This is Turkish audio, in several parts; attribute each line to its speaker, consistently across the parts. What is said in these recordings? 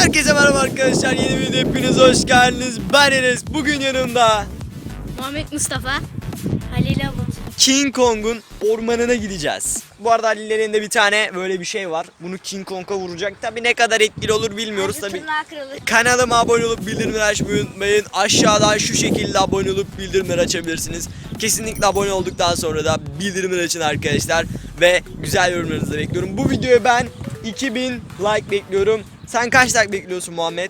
Speaker 1: Herkese merhaba arkadaşlar, yeni bir videoya hepiniz hoş geldiniz. Ben Enes, bugün yanımda
Speaker 2: Muhammed Mustafa, Halil Alonso.
Speaker 1: King Kong'un ormanına gideceğiz. Bu arada Halil'in elinde bir tane böyle bir şey var. Bunu King Kong'a vuracak. Tabi ne kadar etkili olur bilmiyoruz tabi. Kanalıma abone olup bildirimleri açmayı unutmayın. Aşağıdan şu şekilde abone olup bildirimleri açabilirsiniz. Kesinlikle abone olduktan sonra da bildirimleri açın arkadaşlar. Ve güzel yorumlarınızı bekliyorum. Bu videoya ben 2000 like bekliyorum. Sen kaç like bekliyorsun Muhammed?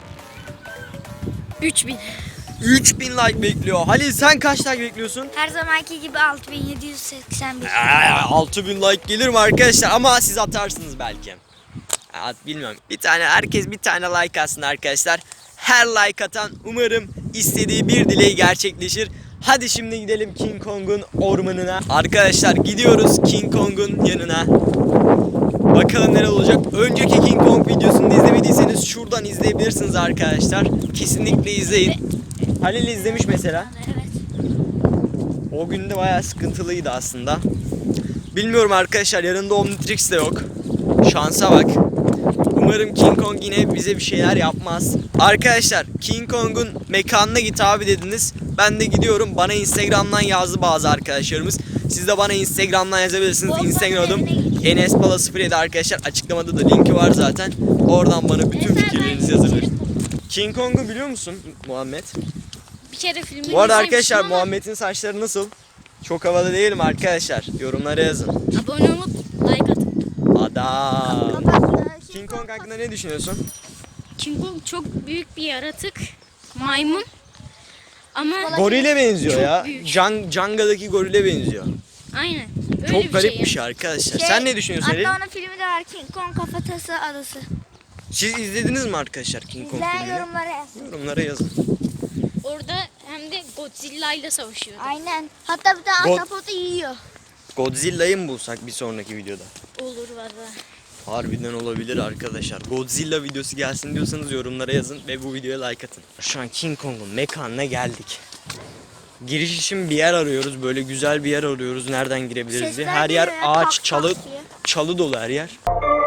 Speaker 2: 3000.
Speaker 1: 3000 like bekliyor. Halil sen kaç like bekliyorsun?
Speaker 2: Her zamanki gibi 6781.
Speaker 1: 6000 like gelir mi arkadaşlar? Ama siz atarsınız belki. Bilmiyorum. Herkes bir tane like atsın arkadaşlar. Her like atan umarım istediği bir dileği gerçekleşir. Hadi şimdi gidelim King Kong'un ormanına. Arkadaşlar gidiyoruz King Kong'un yanına. Bakalım neler olacak. Önceki King Kong videosunu izlemediyseniz şuradan izleyebilirsiniz arkadaşlar. Kesinlikle izleyin. Halil izlemiş mesela.
Speaker 2: Evet.
Speaker 1: O gün de bayağı sıkıntılıydı aslında. Bilmiyorum arkadaşlar, yanında Omnitrix de yok. Şansa bak. Umarım King Kong yine bize bir şeyler yapmaz. Arkadaşlar King Kong'un mekanına git abi dediniz. Ben de gidiyorum. Bana Instagram'dan yazdı bazı arkadaşlarımız. Siz de bana Instagram'dan yazabilirsiniz. Instagram adım EnesPala07 arkadaşlar. Açıklamada da linki var zaten. Oradan bana bütün fikirlerinizi yazın. King Kong'u biliyor musun Muhammed?
Speaker 2: Bir kere filmini
Speaker 1: Bu arada
Speaker 2: izlemiştim
Speaker 1: arkadaşlar
Speaker 2: ama
Speaker 1: Muhammed'in saçları nasıl? Çok havalı değil mi arkadaşlar? Yorumlara yazın.
Speaker 2: abone olup like atın.
Speaker 1: Adam. King Kong hakkında ne düşünüyorsun?
Speaker 2: King Kong çok büyük bir yaratık. Maymun. Ama
Speaker 1: Gorile benziyor
Speaker 2: çok
Speaker 1: ya.
Speaker 2: büyük.
Speaker 1: Janga'daki gorile benziyor.
Speaker 2: aynen. Öyle
Speaker 1: Çok garip bir
Speaker 2: yani.
Speaker 1: şey arkadaşlar. Sen ne düşünüyorsun Halil?
Speaker 3: Hatta onun filmi de var, King Kong Kafatası Adası.
Speaker 1: Siz izlediniz mi arkadaşlar King Kong
Speaker 3: İzleyen
Speaker 1: filmini?
Speaker 3: yorumlara yazsın.
Speaker 1: Yorumlara yazın.
Speaker 2: Orada hem de Godzilla ile savaşıyordu.
Speaker 3: Aynen. Hatta bir tane ahtapotu yiyor.
Speaker 1: Godzilla'yı mı bulsak bir sonraki videoda?
Speaker 2: Olur valla.
Speaker 1: Harbiden olabilir arkadaşlar. Godzilla videosu gelsin diyorsanız yorumlara yazın ve bu videoya like atın. Şu an King Kong'un mekanına geldik. Giriş için bir yer arıyoruz. Böyle güzel bir yer arıyoruz. Nereden girebiliriz diye.
Speaker 3: Sesler
Speaker 1: Her yer
Speaker 3: geliyor,
Speaker 1: ağaç,
Speaker 3: tak
Speaker 1: çalı,
Speaker 3: tak diye.
Speaker 1: çalı dolu her yer.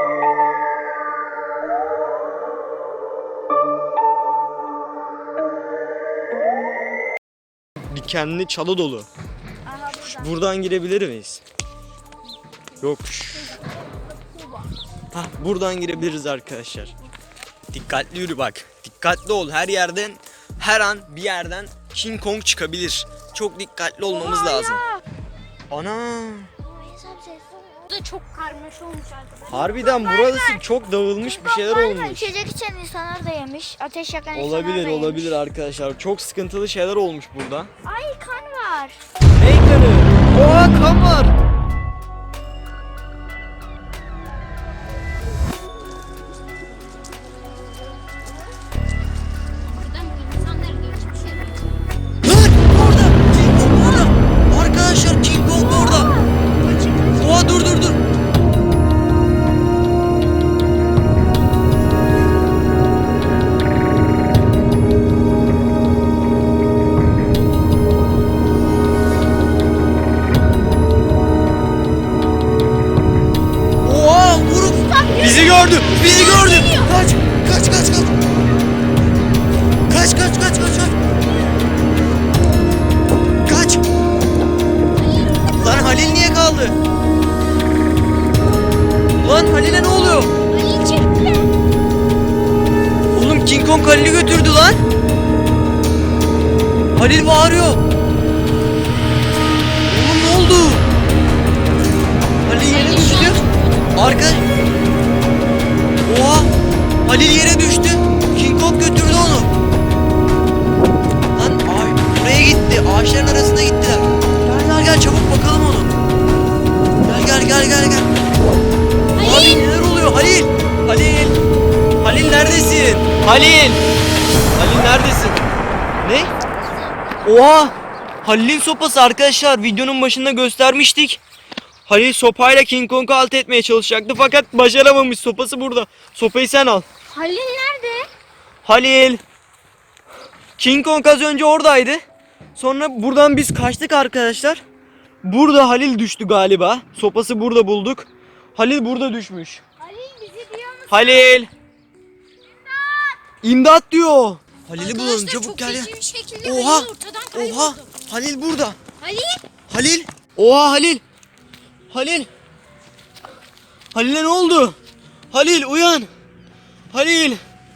Speaker 1: Dikenli çalı dolu.
Speaker 3: Aha burada.
Speaker 1: Buradan girebilir miyiz? Yok. Hah, buradan girebiliriz arkadaşlar. Dikkatli yürü bak. Dikkatli ol. Her yerden, her an bir yerden King Kong çıkabilir. Çok dikkatli olmamız lazım. Ana.
Speaker 2: Bu da çok karmaşa olmuş arkadaşlar.
Speaker 1: Harbiden burası çok dağılmış, bir şeyler
Speaker 3: Galiba
Speaker 1: olmuş.
Speaker 3: İçecek içen insanlar da yemiş. Ateş yakan
Speaker 1: Olabilir,
Speaker 3: insanlar da yemiş.
Speaker 1: olabilir arkadaşlar. Çok sıkıntılı şeyler olmuş burada.
Speaker 3: Ay kan var.
Speaker 1: Ne kanı? Oha, kan var.
Speaker 2: Buradan insanlar geçmiş yere.
Speaker 1: Lan orada! King Kong orada! Arkadaşlar King Kong orada! Oha, dur dur dur! Oha, vurup bizi gördü! Bizi gördü! Kaç! Kaç kaç kaç! Kaç kaç kaç kaç kaç! Kaç! Lan Halil niye kaldı? Lan Halil'e ne oluyor?
Speaker 2: Halil çekti.
Speaker 1: Oğlum King Kong Halil'i götürdü lan. Halil bağırıyor. Oğlum ne oldu? Halil yere düştü. Arka... Oha! Halil yere düştü. King Kong götürdü onu. Lan buraya gitti. Ağaçların arasına gittiler. Gel gel gel, çabuk bakalım onu. Gel gel gel gel gel. Abi neler oluyor Halil? Halil! Halil neredesin? Halil! Halil neredesin? Ne? Oha! Halil'in sopası arkadaşlar, videonun başında göstermiştik. Halil sopayla King Kong'u alt etmeye çalışacaktı fakat başaramamış. Sopası burada. Sopayı sen al.
Speaker 2: Halil nerede?
Speaker 1: Halil! King Kong az önce oradaydı. Sonra buradan biz kaçtık arkadaşlar. Burada Halil düştü galiba. Sopası burada bulduk. Halil burada düşmüş.
Speaker 3: Halil bizi duyuyor musun?
Speaker 1: Halil! İmdat diyor. Halil'i bulalım,
Speaker 2: Arkadaşlar
Speaker 1: çabuk
Speaker 2: çok
Speaker 1: gel ya.
Speaker 2: feci bir şekilde
Speaker 1: Oha.
Speaker 2: Halil ortadan kayboldu.
Speaker 1: Oha. Halil burada.
Speaker 2: Halil.
Speaker 1: Halil. Oha Halil. Halil. Halil'e ne oldu? Halil uyan. Halil.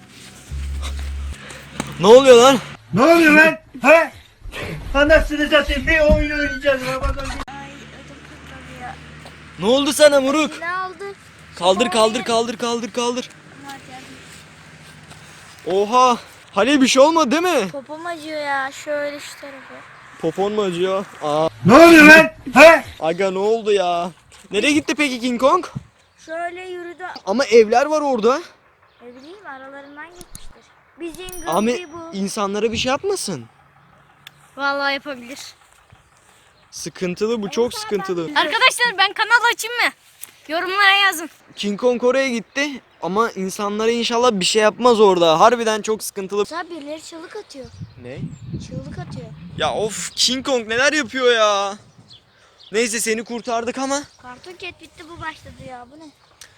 Speaker 1: Ne oluyor lan?
Speaker 4: Ne oluyor lan? He? Anasını satayım, bir oyun oynayacağız. Ramazan.
Speaker 3: Ay ödüm patladı ya.
Speaker 1: Ne oldu sana Muruk?
Speaker 3: Ne aldı?
Speaker 1: Kaldır kaldır kaldır kaldır kaldır.
Speaker 3: Hadi hadi.
Speaker 1: Oha. Halil bir şey olmadı değil mi?
Speaker 3: Popom acıyor ya. Şöyle şu tarafı.
Speaker 1: Popon mu acıyor? Aa.
Speaker 4: Ne oluyor lan? He?
Speaker 1: Aga ne oldu ya? Nereye gitti peki King Kong?
Speaker 3: Şöyle yürüdü.
Speaker 1: Ama evler var orada.
Speaker 3: Ne bileyim aralarından gitmiştir. Bizim
Speaker 1: Ama
Speaker 3: gölge bu.
Speaker 1: insanlara bir şey yapmasın.
Speaker 2: Vallahi yapabilir.
Speaker 1: Sıkıntılı bu, çok sıkıntılı.
Speaker 2: Arkadaşlar ben kanal açayım mı? Yorumlara yazın.
Speaker 1: King Kong oraya gitti ama insanlara inşallah bir şey yapmaz orada. Harbiden çok sıkıntılı.
Speaker 3: Mesela birileri çığlık atıyor.
Speaker 1: Ne?
Speaker 3: Çığlık atıyor.
Speaker 1: Ya of, King Kong neler yapıyor ya. Neyse seni kurtardık ama
Speaker 3: Karton Cat bitti, bu başladı ya. Bu ne?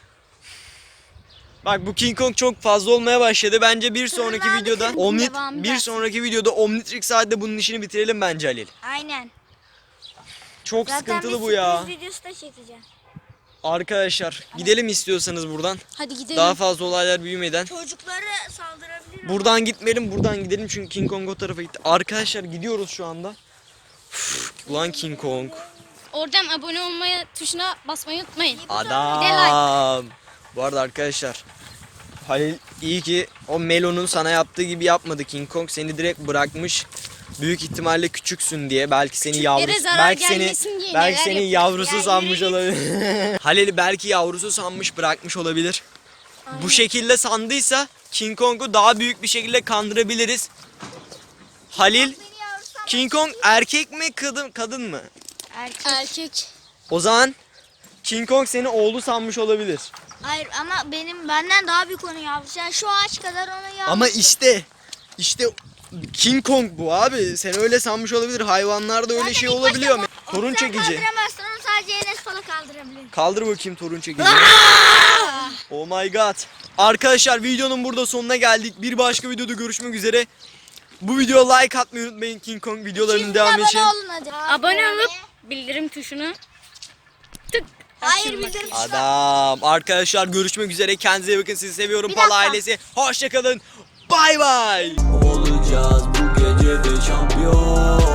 Speaker 1: bak bu King Kong çok fazla olmaya başladı. Bence bir sonraki
Speaker 3: Tırnağı
Speaker 1: videoda
Speaker 3: bitirin, devamı
Speaker 1: bir
Speaker 3: gelsin.
Speaker 1: sonraki videoda Omnitrix saatinde bunun işini bitirelim bence Halil.
Speaker 3: Aynen.
Speaker 1: Çok
Speaker 3: Zaten
Speaker 1: sıkıntılı
Speaker 3: bir
Speaker 1: bu ya.
Speaker 3: sürpriz videosu da çekeceğim.
Speaker 1: Arkadaşlar gidelim istiyorsanız buradan.
Speaker 2: Hadi gidelim.
Speaker 1: Daha fazla olaylar büyümeden.
Speaker 3: Çocukları saldırabilir.
Speaker 1: Buradan gitmeyelim, buradan gidelim çünkü King Kong o tarafa gitti. Arkadaşlar gidiyoruz şu anda. Üf, ulan King Kong.
Speaker 2: Oradan abone olmaya tuşuna basmayı unutmayın.
Speaker 1: Adam. Bu arada arkadaşlar, Halil iyi ki o Melo'nun sana yaptığı gibi yapmadı. King Kong seni direkt bırakmış. Büyük ihtimalle küçüksün diye, belki seni yavrusu,
Speaker 2: zarar
Speaker 1: belki seni
Speaker 2: gelmesin diye
Speaker 1: belki
Speaker 2: neler
Speaker 1: seni
Speaker 2: yapıyor.
Speaker 1: yavrusu
Speaker 3: Ya
Speaker 1: sanmış
Speaker 3: yürü
Speaker 1: olabilir. Halil'i belki yavrusu sanmış, bırakmış olabilir. Bu şekilde sandıysa King Kong'u daha büyük bir şekilde kandırabiliriz. Halil, King Kong erkek mi kadın mı?
Speaker 2: Erkek.
Speaker 1: O zaman King Kong seni oğlu sanmış olabilir.
Speaker 3: Hayır ama benden daha büyük onun yavrusu. Yani şu ağaç kadar onun yavrusu.
Speaker 1: Ama işte King Kong bu abi. Sen öyle sanmış olabilir. Hayvanlarda öyle şey olabiliyor mu? Torun çekici.
Speaker 3: Kaldıramazsın, onu sadece Enes Pala kaldırabilir.
Speaker 1: Kaldır bakayım torun çekici. Oh my god. Arkadaşlar videonun burada sonuna geldik. Bir başka videoda görüşmek üzere. Bu videoya like atmayı unutmayın King Kong videolarının devamı için.
Speaker 3: Abone olun hadi.
Speaker 2: Abone olup bildirim tuşuna tık.
Speaker 3: Hayır,
Speaker 2: açın
Speaker 3: bildirim
Speaker 2: bakayım.
Speaker 1: Adam. Arkadaşlar görüşmek üzere. Kendinize iyi bakın. Sizi seviyorum.
Speaker 3: Bir
Speaker 1: Pala
Speaker 3: dakika.
Speaker 1: ailesi. Hoşçakalın. Bay bay.
Speaker 5: Olacağız bu gece de şampiyon.